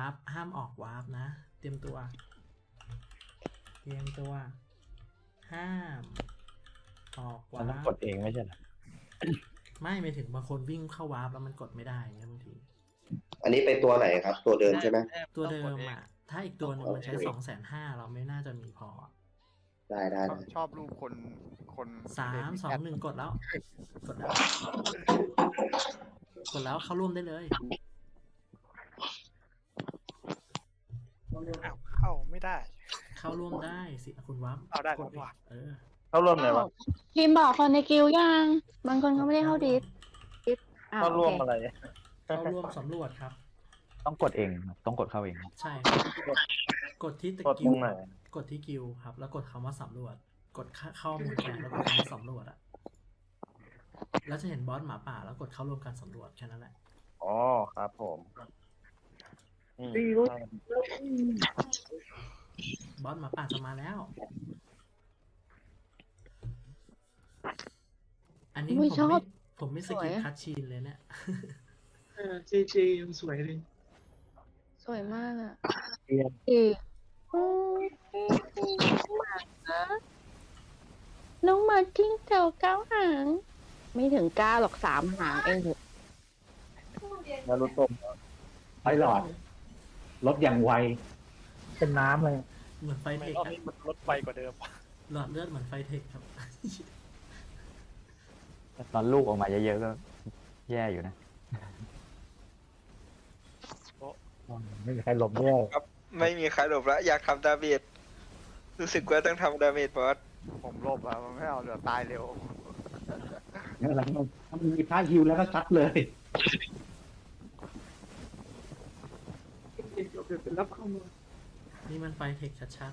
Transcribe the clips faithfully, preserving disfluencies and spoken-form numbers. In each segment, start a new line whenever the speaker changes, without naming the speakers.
ร์ปห้ามออกวาร์ปนะเตรียมตัวเตรียมตัวห้ามออกวา
มันต้อง
ร์
ก
ป
ดเองไม่ใช่เหรอ
ไม่ไม่ถึงบางคนวิ่งเข้าวาร์ปแล้วมันกดไม่ได้เนี่ยบางที
อันนี้เป็นตัวไหนครับ ตัวเดิมใช่ไหม
ตัวเดิมอ่ะถ้าอีกตัวหนึงมันใช้สองแสนห้าเราไม่น่าจะมีพอ
ได้ได้
ชอบชอบรูปคนคน
สามสองหนึ่งกดแล้ว กดแล้ว กดแล้วเข้าร่วมได้เลย
อ้าวเข้าไม่ได้
เข้าร่วมได้สิคุณวับ
เอาได้
กด
แล้วว่ะ
เออ
เข้าร่วมเลยวะ
พิมพ์บอกคนในกิลด์ยัง บางคนเขาไม่ได้เข้าดิสดิสอ่า
เข้า
โอ
ร่วม
เค
อะไร
เข้าร่วมสำรวจครับ
ต้องกดเองต้องกดเข้าเอง
ใช่ครับกดที่ตะ
กด
กิ
ตร
ว
งไหน
กดที่กิวครับ แล้วกดคำว่าสำรวจ กดเข้ามูลแคนแล้วกดคำว่าสำรวจอะแล้วจะเห็นบอสหมาป่าแล้วกดเข้าร่วมการสำรวจแค่นั้นแหละ
อ๋อครับผมอืม
บอสหมาป่าจะมาแล้ว อันนี้ผม
อุ๊ยชอ
ไม่
บ
ผมไม่ส
สว
กิ
ย
ป
อะ
คัดชีนเลยเนี่ย
เออเจเจยังสวยเลย
สวยมากอ่ะ
เรียน
อีกอืมหมานะน้องหมาจิ้งเจ้าเก้าหาง ไม่ถึงเก้าหรอกสามหางเองเถอะ
แล้วรถต้มไปหลอดรถอย่างไว เป็นน้ำเลย
เหมือนไฟ
ทำไม
เทค
รอบ
อะ
นี้มันลดไวกว่าเดิมวะ
หลอดเลือดเหมือนไฟเทคครับ
ตอนลูกออกมาเยอะๆก็แย่อยู่นะไม่มีใครหลบด้วย
ไม่มีใครหลบแล้วอยากทำดาเมจรู้สึกว่าต้องทำดาเมจบอส
ผมลบอะมันไม่เอาเดี๋ยวตายเร็ว
แล้วหลังถ้ามันมีท่าฮิวแล้วก็ซัดเลย
เดี๋ยวเดี๋ยวรับเข้ามา
นี่มันไฟเทคชัด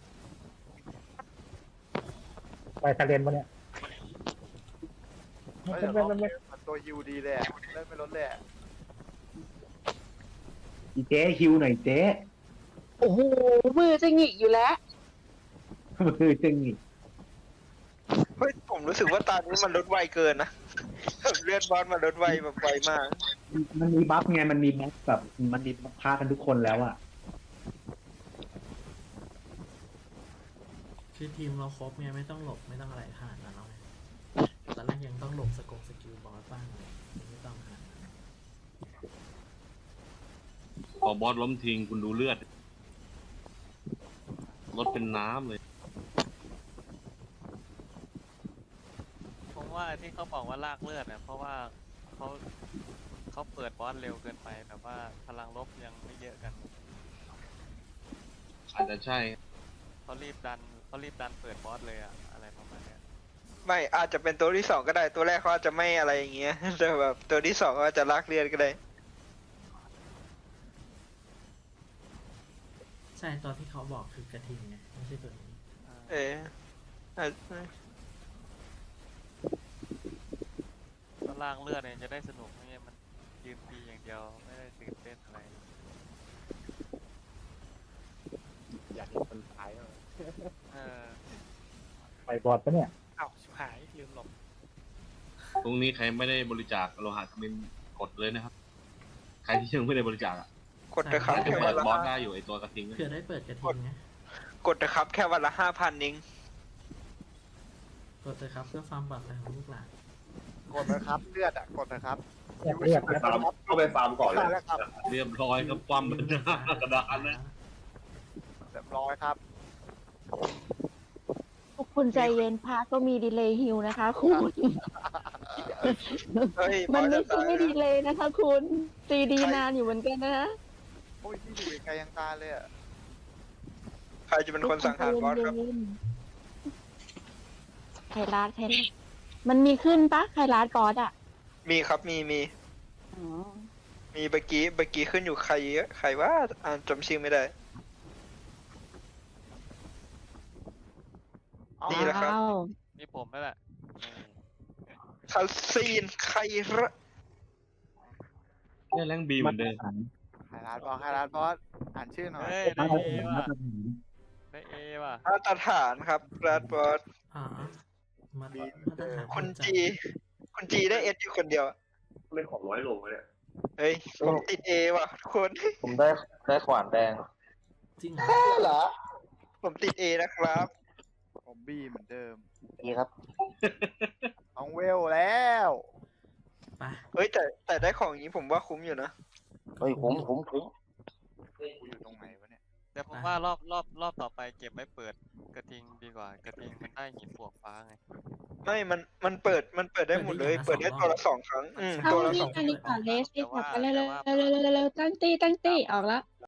ไปทะเลนปะเนี่ย
เฮ้ยเดี๋ยวรอบนี้มันตัวยูดีเลยอะเล่นไม่ลดเลยอะ
อีเจ๊ฮิวหน่อยเจ๊
โอ้โห มือจะหงิกอยู่แล้ว
คือจึงอีก
เฮ้ยผมรู้สึกว่าตอนนี้มันลดไวเกินนะ เลือดบอสมันลดไวแบบไวมาก
มันมีบัฟไงมันมีบัฟแบบมันมีบัฟพากันทุกคนแล้วอะ
ๆ คือทีมเราครบไงไม่ต้องหลบไม่ต้องอะไรขนาดนั้นแล้วไงตอนแรกยังต้องหลบสกงสกิลบอสบ้างเลยไม่ต้องขนาดนั้น
พอบอสล้มทิ้งคุณดูเลือดรถเป็นน้ำเลย
ผมว่าที่เขาบอกว่าลากเลือดเนี่ยเพราะว่าเขาเขาเปิดบอสเร็วเกินไปแบบว่าพลังลบยังไม่เยอะกัน
อาจจะใช่
เขารีบดันเขารีบดันเปิดบอสเลยอะอะไรประมาณเนี้ย
ไม่อาจจะเป็นตัวที่สองก็ได้ตัวแรกเขาอาจจะไม่อะไรอย่างเงี้ย แต่แบบตัวที่สองเขาอาจจะลากเลือดก็ได้
ใช่ตอนที่เขาบอกคือกระทิงไงไม่ใช่ตัวนี้
เอออาจ
ถ้าลากเลือดเนี่ยจะได้สนุกไม่งั้นมันยืนตีอย่างเดียวไม่ได้ตื่นเต้นอะไร
อยากเห็นคนตายเลย
เออ
ไปบอดปะเนี่ย
อ้าวชิบหายลืมหลบ
ตรงนี้ใครไม่ได้บริจาคโลหะทมินกดเลยนะครับ ใครที่ยังไม่ได้บริจาคอ่ะ
กดนะครับ
จะ
แค่
เปิ
วั
ด
นละ
บอสได้อยู่ไอตัวกระทิง
เผื่อได้เปิดกระทิงไง
กดนะครับแค่วันละห้าพันนิ้ง
กดเลยครับเพื่อความปลอดภัยของลูกหลาน
กดนะครับเลือดอะกดนะครับ
เรียกเรียก
ฟาร์มเข้าไปฟาร์มก่อนเลยครับ
เรียบร้อยครับความเป็นหน้ากระดานนะ
เรียบร้อยครับ
ทุกคนใจเย็นพาก็มีดีเลย์ฮิวนะคะคุณ
เฮ้ย
มัน
บ
ไม่
อสจะ
ใช่
ตาย
ไม่ดีเลยนะคะคุณตีดีนานอยู่เหมือนกันนะ
โอ้ยที่อยู่ไกลยังตายเลยอะ
ใครจะเป็นคนสังหารบอสครับ
ไคลาดไคลาดมันมีขึ้นปะไคลาดบอสอ่ะ
มีครับมีมี
อ๋อ
มีเมื่อกี้เมื่อกี้ขึ้นอยู่ใครใครว่าอ่านจำชื่อไม่ได้ นี่แหละครับ
ว้าว
นี่ผมนั่นแหละนี่
คัสซีนใครระ
เนี่ยแรงบีเหมือนเดิม
ไฮร้านบอสไฮร้านบอสอ่านชื่อหน่อย
เฮ้ย
มา
ได้
ตร
เอ
ฐานมา
ว่ะ
ตรฐาน
ได้เอว่ะ
มาตรฐานครับรัดบอส
อ่ามามาตรฐาน
คุณ
จัด
จีคุณจีได้เอสอยู่คนเดียว
เล่นของร้อยโลเนี่ย
เฮ้ยผมติดเอว่ะทุกคน
ผมได้ได้ขวานแดง
จริงเหรอ
เหรอ
ผมติดเอนะครับ
ผมบีเหมือนเดิม
นี่ครับ
ต้องเวลแล้ว
ไป
เฮ้ยแต่แต่ได้ของอย่างนี้ผมว่าคุ้มอยู่นะ
เฮ้ยคุ้มคุ้มคุ้ม
กูอยู่ตรงไหนวะเนี่ย
แต่ผมว่ารอบรอบรอบต่อไปเก็บไว้เปิดกระทิงดีกว่ากระทิงมันได้หินปวกฟ้าไง
ไม่มันมันเปิดมันเปิดได้หมดเลย เปิดได้ตัวละสองครั้งอืม
เอา
ตัวละ
นี่
สอง
อันนี้ก่อนเลสสิกลับไปเร็วๆเร็วๆเร็วๆตั้งตี้ตั้งตี้ออกแล้ว